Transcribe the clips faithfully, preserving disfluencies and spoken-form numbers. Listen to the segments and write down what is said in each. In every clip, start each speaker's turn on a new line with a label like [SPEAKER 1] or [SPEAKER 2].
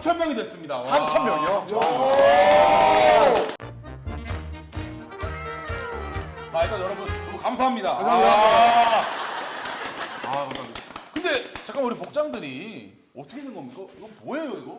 [SPEAKER 1] 삼천 명이 됐습니다.
[SPEAKER 2] 삼천 명이요?
[SPEAKER 1] 아, 일단 여러분 너무 감사합니다.
[SPEAKER 2] 감사합니다.
[SPEAKER 1] 아, 아 감사합니다. 근데 잠깐 우리 복장들이 어떻게 된 겁니까? 이거 뭐예요 이거?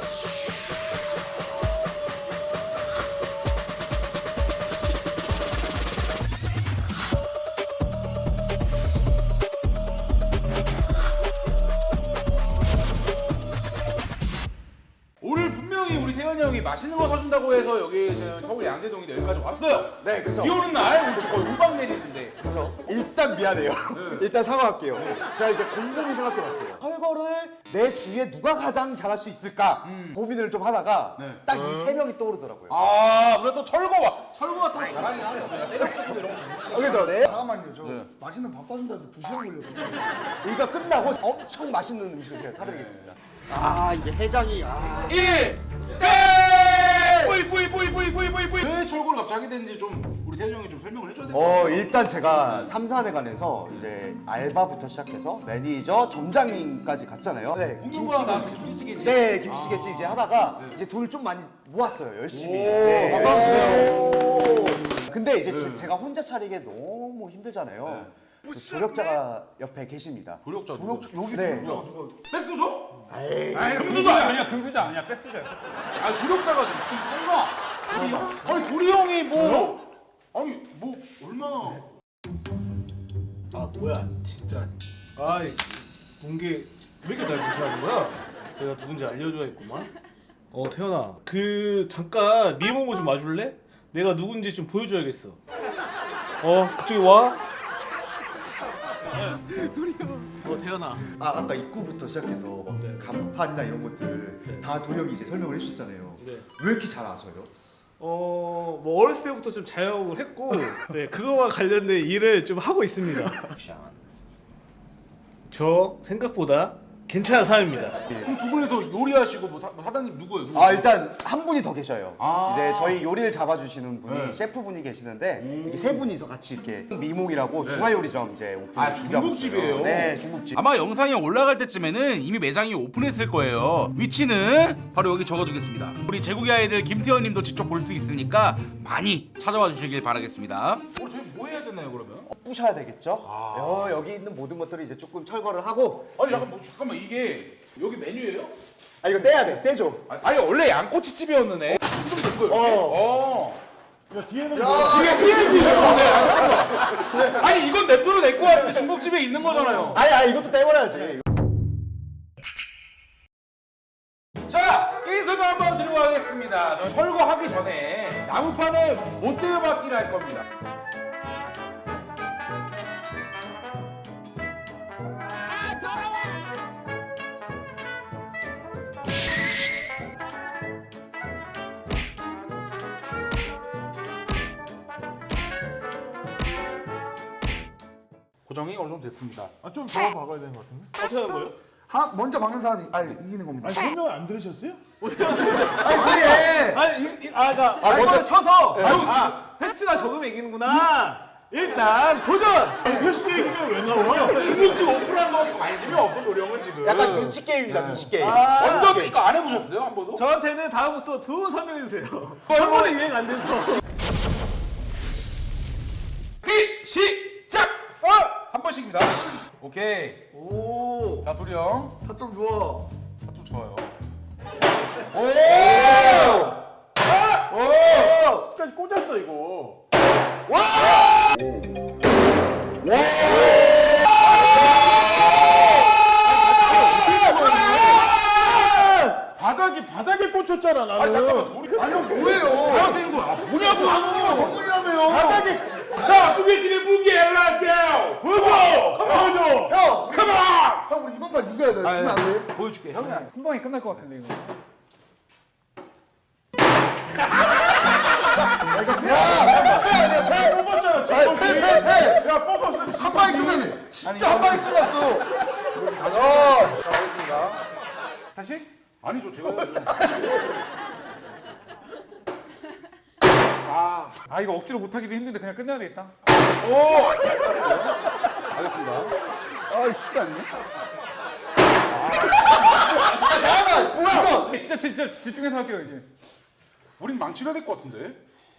[SPEAKER 1] 오늘 분명히 우리 태현이 형이 맛있는 거 사준다고 해서 여기 저 서울 양재동인데 여기까지 왔어요.
[SPEAKER 2] 네, 그쵸.
[SPEAKER 1] 비 오는 날 오늘 거의 우박 내리는데.
[SPEAKER 2] 그쵸. 일단 미안해요. 일단 사과할게요. 제가 이제 곰곰이 생각해봤어요. 철거를 내 주위에 누가 가장 잘할 수 있을까 고민을 좀 하다가
[SPEAKER 1] 네.
[SPEAKER 2] 딱 이 세 명이 떠오르더라고요.
[SPEAKER 1] 아, 우리가 또 철거와 철거가 또 잘하긴 하죠. 내가 때려치고 이런 거.
[SPEAKER 2] 그래서 네.
[SPEAKER 3] 잠깐만요. 저
[SPEAKER 1] 네.
[SPEAKER 3] 맛있는 밥 사준다 해서 두 시간 걸려서.
[SPEAKER 2] 이거 끝나고 엄청 맛있는 음식을 제가 사드리겠습니다. 아, 이게 해장이. 아.
[SPEAKER 1] 일 끝! 뿌이 뿌이 뿌이 뿌이 뿌이 뿌이 뿌이. 왜 철거를 갑자기 하게 됐는지 좀 우리 태현이 형이 좀 설명을 해줘야 될 것 같아요.
[SPEAKER 2] 어, 일단 제가 삼사회관에서 이제 알바부터 시작해서 매니저, 점장님까지 갔잖아요. 네,
[SPEAKER 1] 공중부가 나와서 김치찌개지.
[SPEAKER 2] 네, 김치찌개집 이제 하다가 이제 돈을 좀 많이 모았어요, 열심히.
[SPEAKER 1] 오,
[SPEAKER 2] 네.
[SPEAKER 1] 박수 한번
[SPEAKER 2] 오. 근데 이제
[SPEAKER 1] 네.
[SPEAKER 2] 제가 혼자 차리기 너무 힘들잖아요.
[SPEAKER 1] 네.
[SPEAKER 2] 그 조력자가 옆에 계십니다.
[SPEAKER 1] 조력자
[SPEAKER 3] 조력 여기
[SPEAKER 2] 네.
[SPEAKER 3] 조력자가 누가?
[SPEAKER 1] 백수저?
[SPEAKER 2] 에이,
[SPEAKER 1] 금수저 아니야?
[SPEAKER 4] 금수저 아니야, 백수저야.
[SPEAKER 1] 아 조력자가 뭔가 도리 형? 아니 도리 형이 뭐 아니 뭐 얼마나
[SPEAKER 4] 아 뭐야, 진짜. 아이, 공개 왜 이렇게 날 무시하는 거야? 내가 누군지 알려줘야겠구만. 어, 태연아, 그 잠깐 미모고 좀 와줄래? 내가 누군지 좀 보여줘야겠어. 어, 그쪽에 와. 어, 태연아.
[SPEAKER 2] 아, 아까 입구부터 시작해서 막
[SPEAKER 4] 네.
[SPEAKER 2] 간판이나 이런 것들
[SPEAKER 4] 네.
[SPEAKER 2] 다 도영이 이제 설명을 해주셨잖아요.
[SPEAKER 4] 네.
[SPEAKER 2] 왜 이렇게 잘 아셔요?
[SPEAKER 4] 어, 뭐 어렸을 때부터 좀 자영업을 했고, 네, 그거와 관련된 일을 좀 하고 있습니다. 저 생각보다 괜찮은 사람입니다.
[SPEAKER 1] 그럼 두 분이서 요리하시고 뭐, 사, 뭐 사장님 누구예요? 누구?
[SPEAKER 2] 아, 일단 한 분이 더 계셔요.
[SPEAKER 1] 아.
[SPEAKER 2] 이제 저희 요리를 잡아주시는 분이
[SPEAKER 1] 네.
[SPEAKER 2] 셰프분이 계시는데 이게 세 분이서 같이 이렇게 미목이라고 중화요리점 이제 오픈
[SPEAKER 1] 아,
[SPEAKER 2] 준비하고
[SPEAKER 1] 중국집이에요?
[SPEAKER 2] 있어요. 네, 중국집.
[SPEAKER 5] 아마 영상이 올라갈 때쯤에는 이미 매장이 오픈했을 거예요. 위치는 바로 여기 적어두겠습니다. 우리 제국의 아이들 김태현 님도 직접 볼 수 있으니까 많이 찾아와 주시길 바라겠습니다.
[SPEAKER 1] 오늘 저희 뭐 해야 되나요 그러면?
[SPEAKER 2] 어, 부셔야 되겠죠?
[SPEAKER 1] 아.
[SPEAKER 2] 어, 여기 있는 모든 것들을 이제 조금 철거를 하고
[SPEAKER 1] 아니 잠깐 뭐 잠깐만 이게 여기 메뉴예요?
[SPEAKER 2] 아, 이거 떼야 돼, 떼줘.
[SPEAKER 1] 아, 아니 원래 양꼬치집이었는데 이렇게 된 거예요? 이렇게?
[SPEAKER 2] 어.
[SPEAKER 1] 어. 뒤에 뒤에 있어. 아니 이건 냅둬도 될 거 같은데 중국집에 있는 거잖아요.
[SPEAKER 2] 아니, 아니, 이것도 떼버려야지.
[SPEAKER 1] 자 게임 설명 한번 드리고 가겠습니다. 저 철거하기 전에 나무판을 못 떼어받기를 할 겁니다. 고정이 어느 정도 됐습니다.
[SPEAKER 6] 아, 좀 더 박아야 되는 것 같은데?
[SPEAKER 4] 어떻게 하는 거예요?
[SPEAKER 3] 하 먼저 박는 사람이 아 이기는 겁니다.
[SPEAKER 6] 아니, 설명을 안 들으셨어요?
[SPEAKER 3] 아니 그래.
[SPEAKER 4] 아니, 이, 이, 아, 나,
[SPEAKER 2] 아,
[SPEAKER 4] 아,
[SPEAKER 2] 먼저-
[SPEAKER 4] 먼저 쳐서, 아, 횟수가 적으면 이기는구나. 일단, 도전!
[SPEAKER 6] 횟수 얘기가 왜 나와?
[SPEAKER 1] 중국집 오픈한 거 관심이 없어 노령은 지금.
[SPEAKER 2] 약간 눈치 게임입니다, 눈치 게임.
[SPEAKER 4] 아,
[SPEAKER 1] 완전 이거 안 해보셨어요 한 번도?
[SPEAKER 4] 저한테는 다음부터 두 분 설명해주세요. 한 번에 유행 안 돼서.
[SPEAKER 1] 기 시작! 어! 한 번씩입니다. 오케이.
[SPEAKER 3] 오.
[SPEAKER 1] 자 도리 형.
[SPEAKER 3] 타점 좋아.
[SPEAKER 1] 아, 좀 좋아요.
[SPEAKER 2] 오!
[SPEAKER 1] 오!
[SPEAKER 6] 끝까지 꽂았어, 이거. 바닥이, 바닥에 꽂혔잖아, 나는.
[SPEAKER 1] 아 잠깐만 도리.
[SPEAKER 3] 아니 형 뭐예요?
[SPEAKER 1] 뭐야 되는 거야? 뭐냐고?
[SPEAKER 3] 아 전문이라며요.
[SPEAKER 1] 바닥에. 자 무게들의 무게 엘라스요. 보여줘. 보여줘.
[SPEAKER 3] 형.
[SPEAKER 1] 컴온.
[SPEAKER 3] 형 우리 이번 판 이겨야 돼. 지면 안 돼.
[SPEAKER 1] 보여줄게 형이.
[SPEAKER 6] 한 방에 끝날 것 같은데, 이거.
[SPEAKER 1] 뽑았잖아
[SPEAKER 3] 아니 패패 패.
[SPEAKER 1] 야 뽑았어.
[SPEAKER 3] 한 방에 끝났네. 진짜 한 방에 끝났어.
[SPEAKER 1] 다시. 자 가겠습니다.
[SPEAKER 6] 다시?
[SPEAKER 1] 아니죠 제가 해야죠.
[SPEAKER 6] 아, 아, 이거 억지로 못하기도 힘든데 그냥 끝내야 되겠다.
[SPEAKER 1] 오. 알겠습니다.
[SPEAKER 6] 아, 쉽지 않네.
[SPEAKER 3] 잠깐만. 뭐야?
[SPEAKER 6] 진짜 진짜 집중해서 할게요 이제.
[SPEAKER 1] 우린 망치려야 될 것 같은데.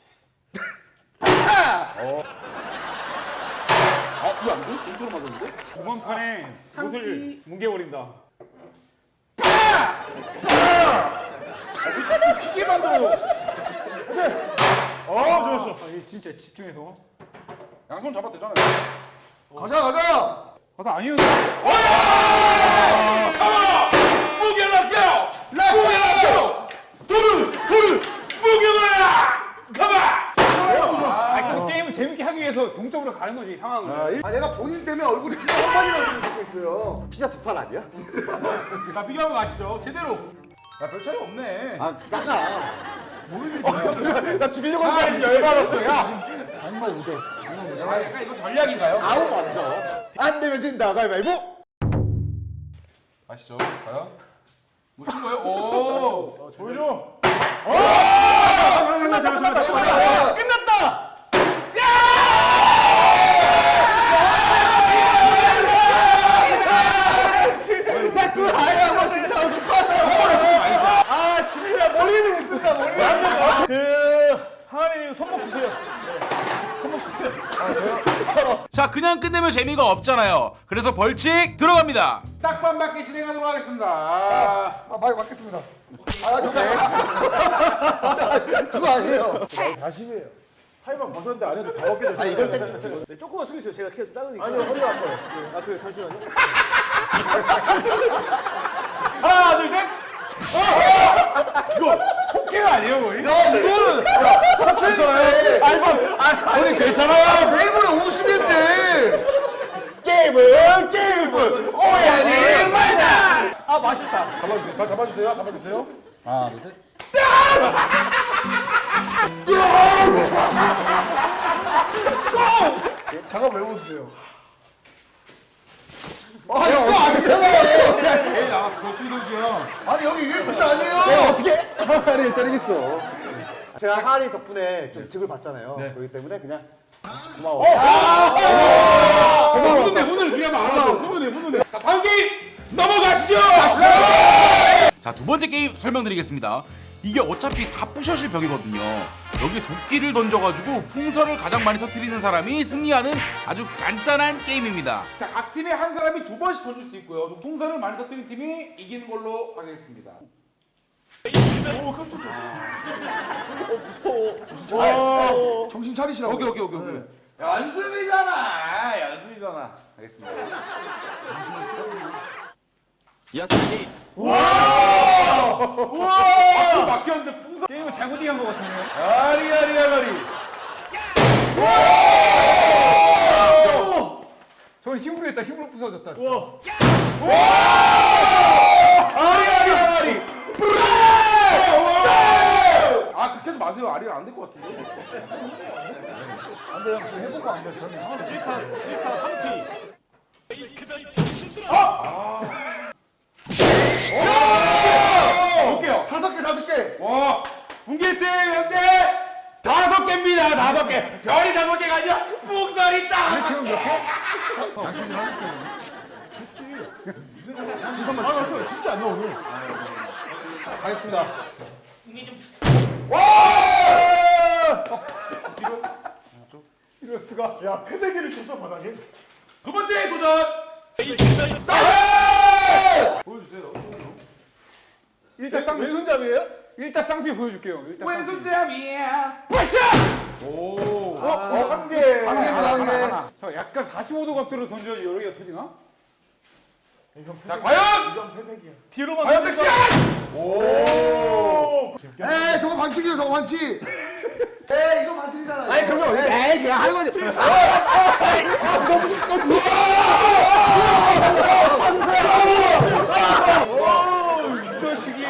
[SPEAKER 1] 아, 이거 안 돼? 좀 맞았는데?
[SPEAKER 6] 이번 판에 옷을 뭉개버린다.
[SPEAKER 1] 피게 만들어요.
[SPEAKER 6] 어 좋았어. 아, 이게 진짜 집중해서.
[SPEAKER 1] 양손 잡아도 되잖아요.
[SPEAKER 3] 가자 가자.
[SPEAKER 6] 아, 나 아니었는데.
[SPEAKER 1] 무게 렛츠고! 무게 렛츠고! 돌을! 돌을! 무게만! 가봐!
[SPEAKER 6] 아, 그 게임을 재밌게 하기 위해서 동점으로 가는 거지 상황을.
[SPEAKER 3] 아 내가 본인 때문에 얼굴이 그냥 한 마리라고 듣고 있어요.
[SPEAKER 2] 피자 두 판 아니야?
[SPEAKER 1] 자, 비교하고 가시죠. 제대로. 야, 별 차이 없네.
[SPEAKER 2] 아 작아. 나 죽이려고
[SPEAKER 1] 아,
[SPEAKER 2] 했는데
[SPEAKER 1] 이제 열받았어. 야!
[SPEAKER 2] 정말 우대.
[SPEAKER 1] 아, 약간 이거 전략인가요?
[SPEAKER 2] 아우 먼저. 안 되면 진다. 가위바위보.
[SPEAKER 1] 아시죠? 과연? 못 친 거예요? 오!
[SPEAKER 6] 보여줘.
[SPEAKER 4] 끝났다.
[SPEAKER 2] 자꾸 아예 한 번씩 싸우고 꺼져.
[SPEAKER 4] 아 진짜 머리는 쓴다 머리. 그 하나님 손목 주세요.
[SPEAKER 5] 자 그냥 끝내면 재미가 없잖아요. 그래서 벌칙 들어갑니다.
[SPEAKER 1] 딱반 맞게 진행하도록 하겠습니다. 아,
[SPEAKER 3] 아 말 맞겠습니다. 아 정말. 그거 아니에요.
[SPEAKER 6] 사십이에요. 하이만 벗었는데 안에도 다 벗겨져.
[SPEAKER 2] 아 이럴 때
[SPEAKER 4] 네, 조금만 숙이세요. 제가 키가 좀 작으니까. 아니요 허리 아파요. 아 그래 잠시만요.
[SPEAKER 1] 하나, 둘, 셋! 이거 포켓 아니에요, 거의?
[SPEAKER 3] 야 이거는
[SPEAKER 1] 괜찮아요? 아, 오늘 괜찮아요?
[SPEAKER 3] 내일 모레 오시면 돼.
[SPEAKER 2] 게임은 게임은 오해하지 말자.
[SPEAKER 4] 아 맛있다.
[SPEAKER 1] 잡아주세요. 잘 잡아주세요. 잡아주세요. 하나, 둘, 셋.
[SPEAKER 3] 잠깐 왜 웃으세요? 아 이거 아니잖아요.
[SPEAKER 1] 에이, 나왔어. 격투기 선수야.
[SPEAKER 3] 아니 여기 유에프씨 아니에요.
[SPEAKER 2] 어떻게 하리를 때리겠어. 제가 하리 덕분에 좀 득을 봤잖아요. 그렇기 때문에 그냥 고마워.
[SPEAKER 1] 훈훈해, 훈훈해. 중요한 말 알아서. 훈훈해, 훈훈해. 자, 다음 게임 넘어가시죠!
[SPEAKER 5] 자 두 번째 게임 설명드리겠습니다. 이게 어차피 다 부셔질 벽이거든요. 여기에 도끼를 던져가지고 풍선을 가장 많이 터뜨리는 사람이 승리하는 아주 간단한 게임입니다.
[SPEAKER 1] 자, 각 팀에 한 사람이 두 번씩 던질 수 있고요. 풍선을 많이 터뜨린 팀이 이기는 걸로 하겠습니다.
[SPEAKER 3] 정신 차리시라고.
[SPEAKER 1] 오케이, 오케이, 오케이, 오케이. 연습이잖아. 연습이잖아. 알겠습니다. 와! 막혔는데 풍선.
[SPEAKER 6] 게임을 잘못 이해한 것 같은데요.
[SPEAKER 1] 아리, 아리, 아리.
[SPEAKER 6] 저는 힘으로 했다. 힘으로 부서졌다.
[SPEAKER 1] 아리, 아리, 아리. 아, 그렇게 하지 마세요. 아리는 안 될 것 같은데.
[SPEAKER 3] 안 돼요. 지금 해보고 안 돼요. 저는 하나도.
[SPEAKER 4] 일 타 일 타 삼 피.
[SPEAKER 1] 볼게요.
[SPEAKER 3] 다섯 개 다섯 개.
[SPEAKER 1] 와, 문개팀 현재 다섯 개입니다. 다섯 개. 별이 다섯 개가 아니라 풍선이 딱.
[SPEAKER 6] 그럼 몇 개?
[SPEAKER 1] 진짜 안 나오네.
[SPEAKER 2] 가겠습니다.
[SPEAKER 6] 이럴 수가. 야 패대기를 쳤어 바닥에.
[SPEAKER 1] 두 번째 도전.
[SPEAKER 6] 보여주세요. 일단 쌍
[SPEAKER 4] 왼손잡이에요?
[SPEAKER 6] 일단 쌍피 보여줄게요. 일단 쌍피.
[SPEAKER 1] 왼손잡이야. 빠샤. 오.
[SPEAKER 3] 어, 한 개. 한 개보다 한 개.
[SPEAKER 6] 저 약간 사십오 도 각도로 던져야지 여러 개가 터지나?
[SPEAKER 1] 자, 과연
[SPEAKER 4] 뒤로만
[SPEAKER 1] 과연
[SPEAKER 4] 던질까?
[SPEAKER 1] 섹시한. 오.
[SPEAKER 3] 에이 저거 반칙이죠 저거 반칙. 에이 이거 반칙이잖아요.
[SPEAKER 2] 아니 그런 거 에이 그냥 하는 거지.
[SPEAKER 4] 이 자식이.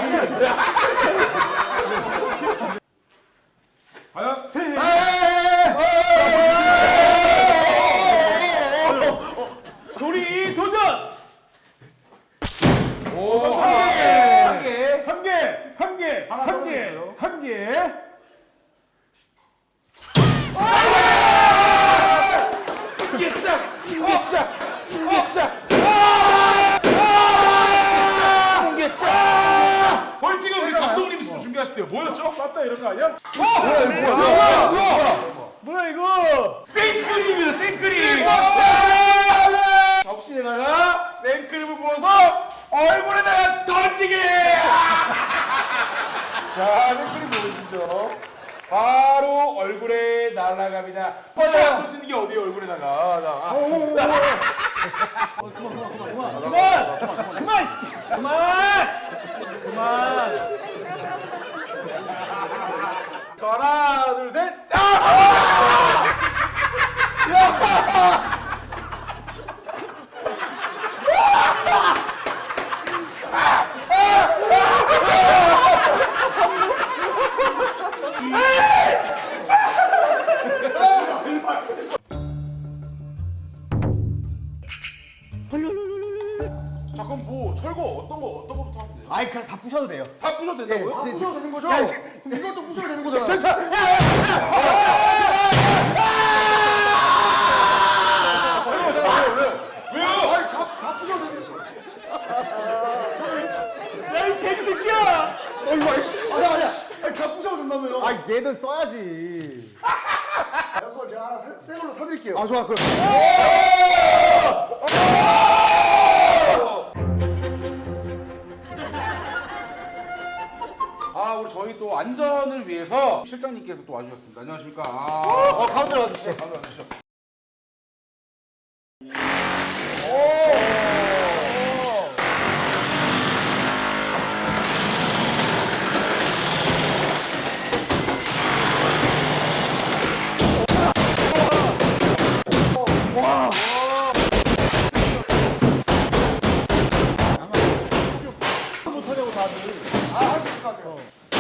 [SPEAKER 1] 과연
[SPEAKER 4] 도리 도전.
[SPEAKER 1] 오, 한 개.
[SPEAKER 6] 한 개, 한 개, 한 개, 한 개.
[SPEAKER 1] 진짜 진짜 진짜. 보시면
[SPEAKER 4] 뭐야 이거?
[SPEAKER 5] 생크림이다 생크림.
[SPEAKER 1] 접시에다가 생크림을 부어서 얼굴에다가 던지기. 자, 생크림 보이시죠? 바로 얼굴에 날아갑니다. 펀 던지는 게 어디에 얼굴에다가. 자,
[SPEAKER 4] 그만! 그만! 그만!
[SPEAKER 1] 자, 하나, 둘, 셋. 아! 자, 그럼 뭐 철거 어떤 거 어떤 거부터 하면 돼요?
[SPEAKER 2] 아이 그냥 다 부셔도 돼요.
[SPEAKER 1] 다 부셔도 된다고요?
[SPEAKER 3] 다 부셔도 되는 거죠?
[SPEAKER 2] 야,
[SPEAKER 3] 이것도 부셔도 되는 거잖아.
[SPEAKER 1] 왜요?
[SPEAKER 3] 아니 다, 다 부셔도 되는 거.
[SPEAKER 4] 야이 돼지 새끼야!
[SPEAKER 3] 어이구 아이씨. 아니야 아니야. 아니 다 부셔도 된다며요.
[SPEAKER 2] 아 얘는 써야지.
[SPEAKER 3] 이거 제가 하나 새, 새 걸로 사드릴게요.
[SPEAKER 2] 아 좋아 그럼.
[SPEAKER 1] 아, 우리 저희 또 안전을 위해서 실장님께서 또 와주셨습니다. 안녕하십니까? 아,
[SPEAKER 2] 어 가운데로 와주시죠.
[SPEAKER 1] 가만 와주시죠.
[SPEAKER 4] 못하냐고 다들.
[SPEAKER 3] 아할 수 있을 것 같아요.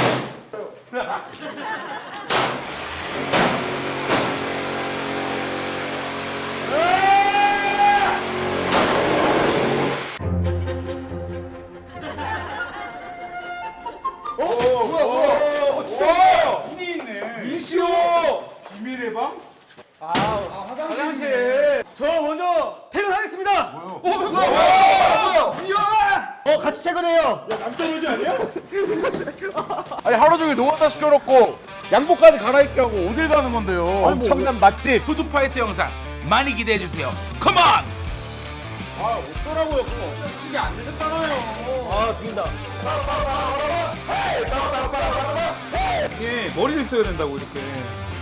[SPEAKER 1] 어, 뭐야, 뭐야? 어, 진짜 분이 있네. 미시오 비밀의 방?
[SPEAKER 3] 아 화장실.
[SPEAKER 4] 저 먼저 퇴근하겠습니다.
[SPEAKER 2] 어 같이 퇴근해요.
[SPEAKER 1] 남자로지 아니야? 아니 하루 종일 노가다 시켜놓고 양복까지 갈아입게 하고 어딜 가는 건데요?
[SPEAKER 2] 엄청난 맛집.
[SPEAKER 5] 푸드파이트 영상 많이 기대해 주세요. 컴온!
[SPEAKER 1] 아 어쩌라고요? 그거 없애시게 안 되셨잖아요.
[SPEAKER 4] 아 죽인다. 이게 머리를 써야 된다고 이렇게.